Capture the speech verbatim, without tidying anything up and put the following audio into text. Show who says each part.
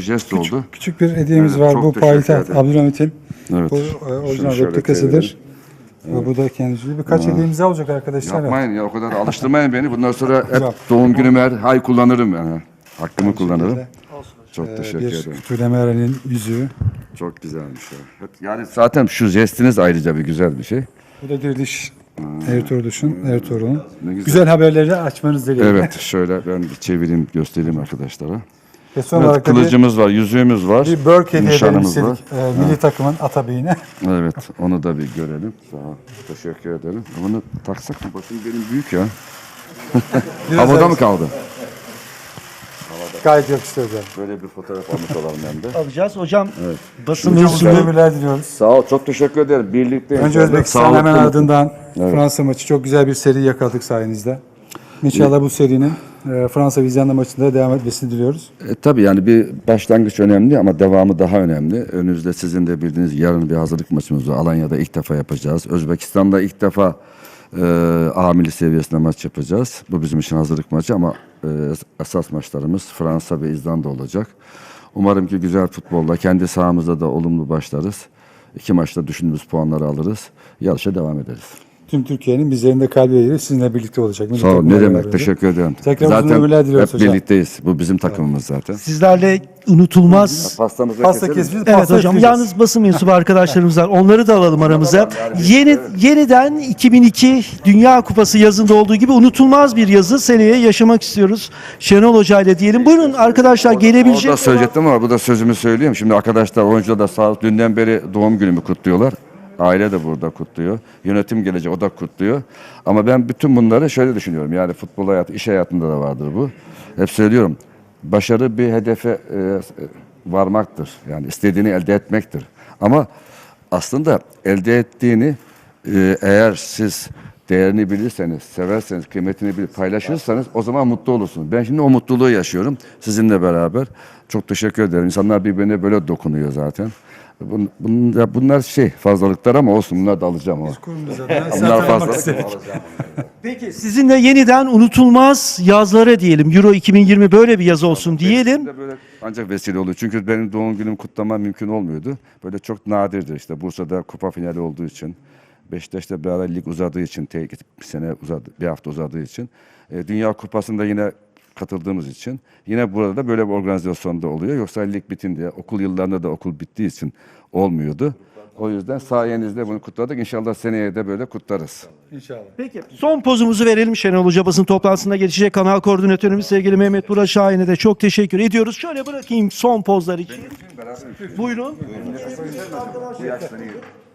Speaker 1: jest
Speaker 2: küçük,
Speaker 1: oldu.
Speaker 2: küçük bir hediyemiz
Speaker 1: Evet,
Speaker 2: var.
Speaker 1: çok
Speaker 2: Bu
Speaker 1: teşekkür
Speaker 2: payitaht
Speaker 1: ederim.
Speaker 2: Abdülhamit'in.
Speaker 1: Evet.
Speaker 2: Bu e, orijinal
Speaker 1: şöyle
Speaker 2: replikasıdır. Ve bu da kendisi. Birkaç hediyemiz daha olacak arkadaşlar.
Speaker 1: Yapmayın ya, o kadar alıştırmayın beni. Bundan sonra hep
Speaker 2: Yok.
Speaker 1: doğum günüm her hay kullanırım yani. Hakkımı kullanırım.
Speaker 2: şekilde,
Speaker 1: Çok
Speaker 2: e,
Speaker 1: teşekkür
Speaker 2: bir
Speaker 1: ederim.
Speaker 2: Kütülemer'in yüzüğü.
Speaker 1: Çok güzelmiş ya. Yani zaten şu jestiniz ayrıca bir güzel bir şey.
Speaker 2: Bu da Diriliş Ertuğrul'un, Ertuğrul'un.
Speaker 1: Ne güzel.
Speaker 2: Güzel haberleri açmanız dileğiyle.
Speaker 1: Evet, şöyle ben bir çevireyim, göstereyim arkadaşlara.
Speaker 2: Ve son
Speaker 1: Evet,
Speaker 2: olarak da bir,
Speaker 1: kılıcımız var, yüzüğümüz var,
Speaker 2: bir Burke hediye edelim
Speaker 1: nişanımız var.
Speaker 2: istedik. E, milli takımın atabeyine.
Speaker 1: Evet, onu da bir görelim. Sağ ol, teşekkür ederim. Bunu taksak mı? Bakın benim büyük ya.
Speaker 2: Biraz
Speaker 1: Havada
Speaker 2: daha-
Speaker 1: mı kaldı?
Speaker 2: Gayet yakıştı hocam.
Speaker 1: Böyle bir fotoğraf almış olalım hem de.
Speaker 3: Alacağız. Hocam basın
Speaker 2: Uzun
Speaker 3: mensubu
Speaker 2: ömürler diliyoruz.
Speaker 1: Sağ ol, çok teşekkür ederim. Birlikte.
Speaker 2: Önce Özbekistan hemen
Speaker 1: Sağlıklı-
Speaker 2: ardından Fransa maçı. Çok güzel bir seri yakaladık sayenizde. İnşallah bu serinin e, Fransa Vizyan'da maçında devam etmesini diliyoruz.
Speaker 1: E, tabii yani bir başlangıç önemli ama devamı daha önemli. Önümüzde sizin de bildiğiniz yarın bir hazırlık maçımız var. Alanya'da ilk defa yapacağız. Özbekistan'da ilk defa e, A milli seviyesinde maç yapacağız. Bu bizim için hazırlık maçı ama e, esas maçlarımız Fransa ve İzlanda olacak. Umarım ki güzel futbolla kendi sahamızda da olumlu başlarız. İki maçta düşündüğümüz puanları alırız. Yarışa devam ederiz.
Speaker 2: Tüm Türkiye'nin bizlerin de kalbi yeri sizinle birlikte olacak. Milli
Speaker 1: Sağ ol.
Speaker 2: takımla
Speaker 1: Ne demek?
Speaker 2: beraber.
Speaker 1: Teşekkür ederim.
Speaker 2: Tekrar uzun
Speaker 1: Zaten
Speaker 2: ömürler diliyoruz
Speaker 1: hep
Speaker 2: hocam.
Speaker 1: birlikteyiz. Bu bizim takımımız zaten.
Speaker 3: sizlerle unutulmaz.
Speaker 1: Pastamızı
Speaker 2: Pasta
Speaker 1: keselim.
Speaker 2: keseceğiz.
Speaker 3: Evet
Speaker 2: pasta
Speaker 3: hocam,
Speaker 2: üfleyeceğiz.
Speaker 3: yalnız basın mensubu arkadaşlarımız var. Onları da alalım aramıza. Yeni yeniden iki bin iki Dünya Kupası yazında olduğu gibi unutulmaz bir yazı seneye yaşamak istiyoruz. Şenol Hoca ile diyelim. Buyurun arkadaşlar, gelebilecek
Speaker 1: Orada söyleyecektim ama bu da sözümü söyleyeyim. Şimdi arkadaşlar, oyuncular da sağ olsun, dünden beri doğum günümü kutluyorlar. Aile de burada kutluyor. Yönetim gelecek, o da kutluyor. Ama ben bütün bunları şöyle düşünüyorum. Yani futbol hayatı, iş hayatında da vardır bu. Hep söylüyorum. Başarı bir hedefe e, varmaktır. Yani istediğini elde etmektir. Ama aslında elde ettiğini e, eğer siz değerini bilirseniz, severseniz, kıymetini bilir, paylaşırsanız o zaman mutlu olursunuz. Ben şimdi o mutluluğu yaşıyorum sizinle beraber. Çok teşekkür ederim. İnsanlar birbirine böyle dokunuyor zaten. Bun, bunlar, bunlar şey fazlalıklar ama olsun, bunlar da alacağım. O.
Speaker 2: Kurumumuz adına size
Speaker 1: Bunlar
Speaker 2: hatırlamak
Speaker 1: fazlalık
Speaker 2: istedik.
Speaker 1: ama alacağım.
Speaker 3: Peki sizinle yeniden unutulmaz yazlara diyelim. Euro iki bin yirmi böyle bir yaz olsun diyelim.
Speaker 1: Böyle ancak vesile oluyor. Çünkü benim doğum günüm kutlamam mümkün olmuyordu. Böyle çok nadirdir işte. Bursa'da kupa finali olduğu için. Beşiktaş'ta bir ara lig uzadığı için, tek bir sene uzadı, bir hafta uzadığı için. E, Dünya Kupası'nda yine katıldığımız için. Yine burada da böyle bir organizasyonda oluyor. Yoksa lig bitince, okul yıllarında da okul bittiği için olmuyordu. O yüzden sayenizde bunu kutladık. İnşallah seneye de böyle kutlarız.
Speaker 2: İnşallah.
Speaker 3: Peki son pozumuzu verelim. Şenol Hoca basın toplantısında geçecek. Kanal koordinatörümüz sevgili Mehmet Burak Şahin'e de çok teşekkür ediyoruz. Şöyle bırakayım son pozlar için. Buyurun.